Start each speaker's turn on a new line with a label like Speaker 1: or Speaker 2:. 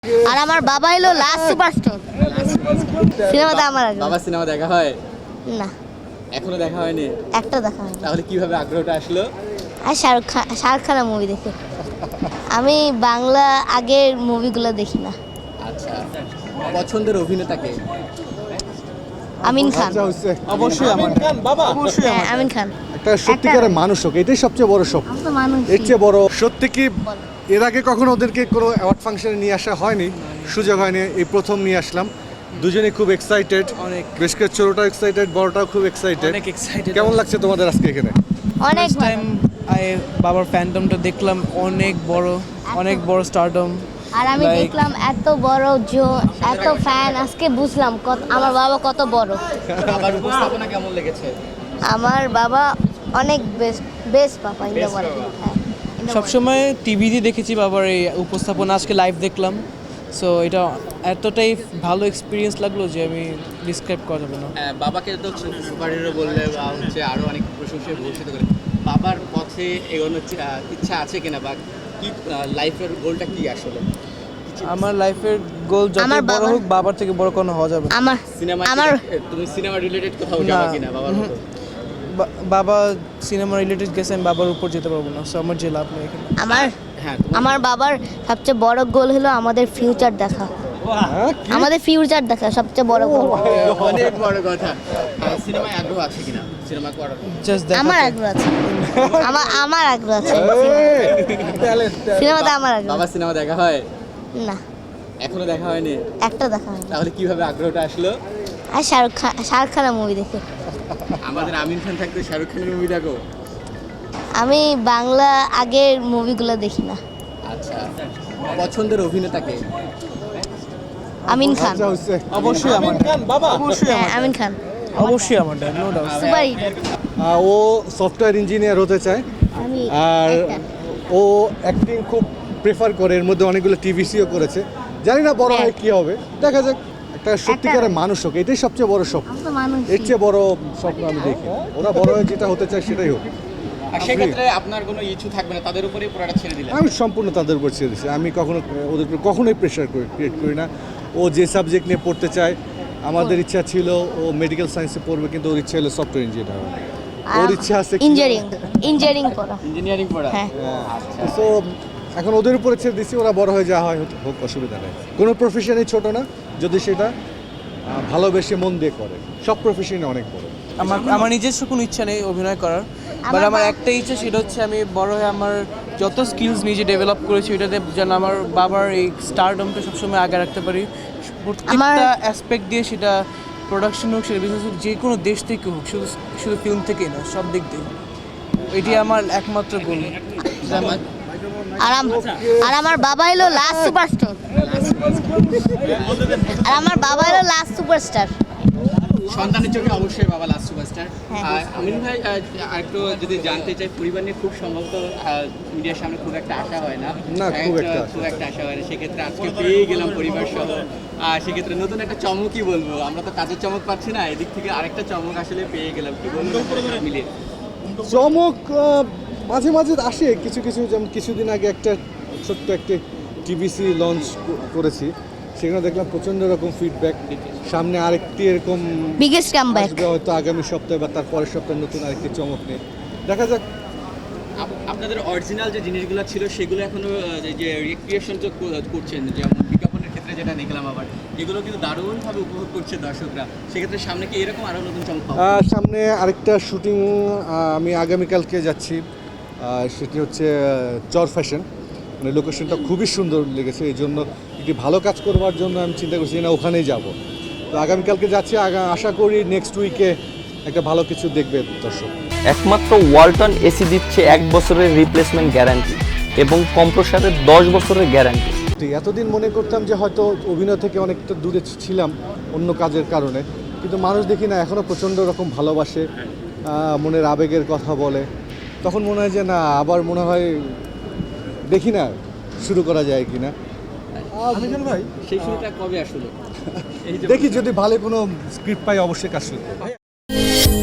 Speaker 1: আর আমার বাবা হলো লাস্ট সুপারস্টার। সিনেমাতে আমার আগ্রহ।
Speaker 2: বাবা সিনেমা দেখা হয়
Speaker 1: না,
Speaker 2: এখনো দেখা হয়নি।
Speaker 1: একটা দেখা হয়নি।
Speaker 2: তাহলে কিভাবে আগ্রহটা আসলো?
Speaker 1: আর শাহরুখ খানের মুভি দেখে। আমি বাংলা আগের মুভিগুলো দেখি না।
Speaker 2: আচ্ছা, পছন্দের অভিনেতাকে?
Speaker 1: আমিন খান।
Speaker 3: অবশ্যই আমার অবশ্যই
Speaker 1: হ্যাঁ,
Speaker 3: আমার
Speaker 1: আমিন খান।
Speaker 3: একটা সত্যিকারের মানুষ হোক, এটাই সবচেয়ে বড় স্বপ্ন।
Speaker 1: আমি তো মানুষ।
Speaker 3: এর চেয়ে বড় সত্যি কি এর আগে কখনো ওদেরকে কোনো অ্যাওয়ার্ড ফাংশনে নিয়ে আসা হয়নি, সুযোগ হয়নি, এই প্রথম নিয়ে আসলাম। দুজনেই খুব এক্সাইটেড,
Speaker 4: অনেক।
Speaker 3: বেশ করে ছোটটাও এক্সাইটেড, বড়টাও খুব এক্সাইটেড।
Speaker 4: অনেক excited।
Speaker 3: কেমন লাগছে তোমাদের আজকে এখানে?
Speaker 1: অনেক
Speaker 4: ফার্স্ট টাইম বাবার ফ্যান্টমটা দেখলাম, অনেক বড় স্টারডম।
Speaker 1: আর আমি
Speaker 4: Like-
Speaker 1: দেখলাম এত বড় এত ফ্যান, আজকে বুঝলাম আমার বাবা কত বড়।
Speaker 2: বাবার উপস্থাপনা কেমন লেগেছে?
Speaker 1: আমার বাবা অনেক best papa in the
Speaker 2: Best
Speaker 1: world.
Speaker 2: বাবা।
Speaker 4: সবসময় টিভিতে দেখেছি বাবার এই উপস্থাপনা, আজকে লাইভ দেখলাম। সো এটা এতটাই ভালো এক্সপিরিয়েন্স লাগলো যে আমি ডিসক্রাইব করা যাবে না।
Speaker 2: বাবাকে তো সুপার হিরো বললে বা হচ্ছে আরো অনেক প্রশংসায় ভূষিত করে, বাবার পথে এগোনোর ইচ্ছা আছে কিনা, বা কি লাইফের গোলটা কি আসলে?
Speaker 4: আমার লাইফের গোল যত
Speaker 1: আমার
Speaker 4: বড়
Speaker 1: বাবার-
Speaker 4: হোক, বাবার থেকে বড় কোনো হওয়া যাবে না।
Speaker 1: আমার
Speaker 2: সিনেমা
Speaker 1: আমার
Speaker 2: তুমি সিনেমা রিলেটেড কোথাও যাবা
Speaker 4: না।
Speaker 2: কিনা বাবার মতো?
Speaker 4: বাবা সিনেমা রিলেটেড গেছে, আমি বাবার উপর যেতে পারবো না। সো আমার যে লাভ নেই এখানে।
Speaker 1: আমার
Speaker 2: হ্যাঁ,
Speaker 1: আমার বাবার সবচেয়ে বড় গোল হলো আমাদের ফিউচার দেখা।
Speaker 3: হ্যাঁ, কি?
Speaker 1: আমাদের ফিউচার দেখা সবচেয়ে বড় গোল।
Speaker 2: অনেক বড় কথা। সিনেমায় আগ্রহ আছে কিনা, সিনেমা করার?
Speaker 4: জাস্ট
Speaker 1: আমার আগ্রহ আছে। আমার আগ্রহ আছে। সিনেমাতে আমার আগ্রহ।
Speaker 2: বাবা সিনেমা দেখা হয়
Speaker 1: না,
Speaker 2: এখনো দেখা হয়নি।
Speaker 1: একটা দেখা হয়নি।
Speaker 2: তাহলে কিভাবে আগ্রহটা আসলো?
Speaker 1: আর শাহরুখ খানের মুভি দেখে।
Speaker 2: আমাদের আমিন খান থাকতে শাহরুখ খানের মুভি দেখো?
Speaker 1: আমি বাংলা আগের মুভিগুলো দেখি না।
Speaker 2: আচ্ছা, পছন্দের অভিনেতাকে?
Speaker 1: আমিন খান।
Speaker 3: আচ্ছা, হচ্ছে।
Speaker 4: অবশ্যই আমার অবশ্যই
Speaker 1: হ্যাঁ,
Speaker 4: আমার
Speaker 1: আমিন খান।
Speaker 4: অবশ্যই আমার dad, no doubt.
Speaker 1: Super hero.
Speaker 3: ও সফটওয়্যার ইঞ্জিনিয়ার হতে চায়,
Speaker 1: আমি
Speaker 3: আর
Speaker 1: একটা।
Speaker 3: ও অ্যাক্টিং খুব প্রেফার করে, এর মধ্যে অনেকগুলো টিভিসিও করেছে। জানি না বড় হয় কি হবে, দেখা যাক। একটা সত্যিকারের মানুষ হোক, এটাই সবচেয়ে বড় স্বপ্ন।
Speaker 1: আমি তো মানুষ।
Speaker 3: এর চেয়ে বড় স্বপ্ন আমি দেখি না। ওরা বড় হয়ে যেটা হতে চায় সেটাই হোক।
Speaker 2: আর সেক্ষেত্রে আপনার কোনো ইচ্ছু থাকবে না, তাদের উপরেই পুরোটা ছেড়ে দিলেন?
Speaker 3: আমি সম্পূর্ণ তাদের উপর ছেড়ে দিচ্ছি। আমি কখনো ওদের উপর কখনোই প্রেশার ক্রিয়েট করি না। ও যে সাবজেক্ট নিয়ে পড়তে চায়, আমাদের ইচ্ছা ছিল ও মেডিকেল সায়েন্সে পড়বে, কিন্তু ওর ইচ্ছা হলো সফটওয়্যার ইঞ্জিনিয়ার হওয়া। ওর ইচ্ছা আছে
Speaker 1: ইঞ্জিনিয়ারিং পড়া।
Speaker 2: ইঞ্জিনিয়ারিং পড়া?
Speaker 1: হ্যাঁ।
Speaker 3: সো এখন ওদের উপরে ছেড়ে দিচ্ছি, ওরা বড় হয়ে যাওয়া হয় হোক, অসুবিধা নেই। কোনো প্রফেশনই ছোট না যদি সেটা ভালোবেসে মন দিয়ে করে। সব প্রফেশনই অনেক বড়।
Speaker 4: আমার নিজস্ব কোনো ইচ্ছা নেই অভিনয় করার, বাট আমার একটা ইচ্ছা, সেটা হচ্ছে আমি বড় হয়ে আমার যত স্কিলস নিজে ডেভেলপ করেছি ওইটাতে যেন আমার বাবার এই স্টারডমটা সবসময় আগে রাখতে পারি। প্রত্যেকটা অ্যাসপেক্ট দিয়ে, সেটা প্রোডাকশন হোক, সেটা বিজনেস হোক, যে কোনো দেশ থেকে হোক, শুধু শুধু ফিল্ম থেকেই না, সব দিক দিয়ে। এটি আমার একমাত্র গোল।
Speaker 1: আর আমার বাবা হলো লাস্ট সুপারস্টার। আর আমার বাবা হলো লাস্ট সুপারস্টার।
Speaker 2: সন্তানের চোখে অবশ্যই বাবা লাস্ট সুপারস্টার।
Speaker 1: হ্যাঁ।
Speaker 2: আমিন ভাই, আরেকটু যদি জানতে চাই, পরিবার নিয়ে খুব সম্ভবত মিডিয়ার সামনে খুব একটা আশা হয় না।
Speaker 3: না, খুব একটা
Speaker 2: আশা হয় না। সেক্ষেত্রে আজকে পেয়ে গেলাম পরিবার সহ। সেক্ষেত্রে নতুন একটা চমকই বলবো, আমরা তো কাজের চমক পাচ্ছি না, এদিক থেকে আরেকটা চমক আসলে পেয়ে গেলাম। কি বলবো মিলিয়ে?
Speaker 3: চমক মাঝে মাঝে আসে কিছু কিছু, যেমন কিছুদিন আগে একটা ছোট্ট একটা টিভিসি লঞ্চ করেছি, সেখানে দেখলাম প্রচণ্ড রকম ফিডব্যাক। সামনে আরেকটি এরকম
Speaker 1: বিগেস্ট কামব্যাক।
Speaker 3: আসবে হয়তো আগামী সপ্তাহে বা তার পরের সপ্তাহে, নতুন আরেকটি চমক নিয়ে। দেখা যাক।
Speaker 2: আপনাদের অরিজিনাল যে জিনিসগুলো ছিল সেগুলো এখনো যে রিক্রিয়েশন তো করছেন, যেমন বিজ্ঞাপনের ক্ষেত্রে যেটা দেখলাম, আবার এগুলো কিন্তু দারুণভাবে উপভোগ করছে দর্শকরা। সেক্ষেত্রে সামনে কি এরকম আরও নতুন চমক পাবো?
Speaker 3: সামনে আরেকটা শুটিং আমি আগামীকালকে যাচ্ছি, সেটি হচ্ছে চর ফ্যাশন। মানে লোকেশনটা খুবই সুন্দর লেগেছে, এই জন্য একটি ভালো কাজ করবার জন্য আমি চিন্তা করছি না ওখানেই যাব। তো আগামীকালকে যাচ্ছি, আশা করি নেক্সট উইকে একটা ভালো কিছু দেখবে দর্শক।
Speaker 5: একমাত্র ওয়ালটন এসি দিচ্ছে 1 বছরের রিপ্লেসমেন্ট গ্যারান্টি এবং কম্প্রেসারের 10 বছরের গ্যারান্টি।
Speaker 3: তো এতদিন মনে করতাম যে হয়তো অভিনয় থেকে অনেকটা দূরে ছিলাম অন্য কাজের কারণে, কিন্তু মানুষ দেখি না এখনও প্রচণ্ড রকম ভালোবাসে, মনের আবেগের কথা বলে। তখন মনে হয় যে না, আবার মনে হয় দেখি না শুরু করা যায় কি না। ভাই
Speaker 2: সেই শুরুটা কবে আসলো?
Speaker 3: দেখি যদি ভালো কোনো স্ক্রিপ্ট পাই অবশ্যই কাজ শুরু করব।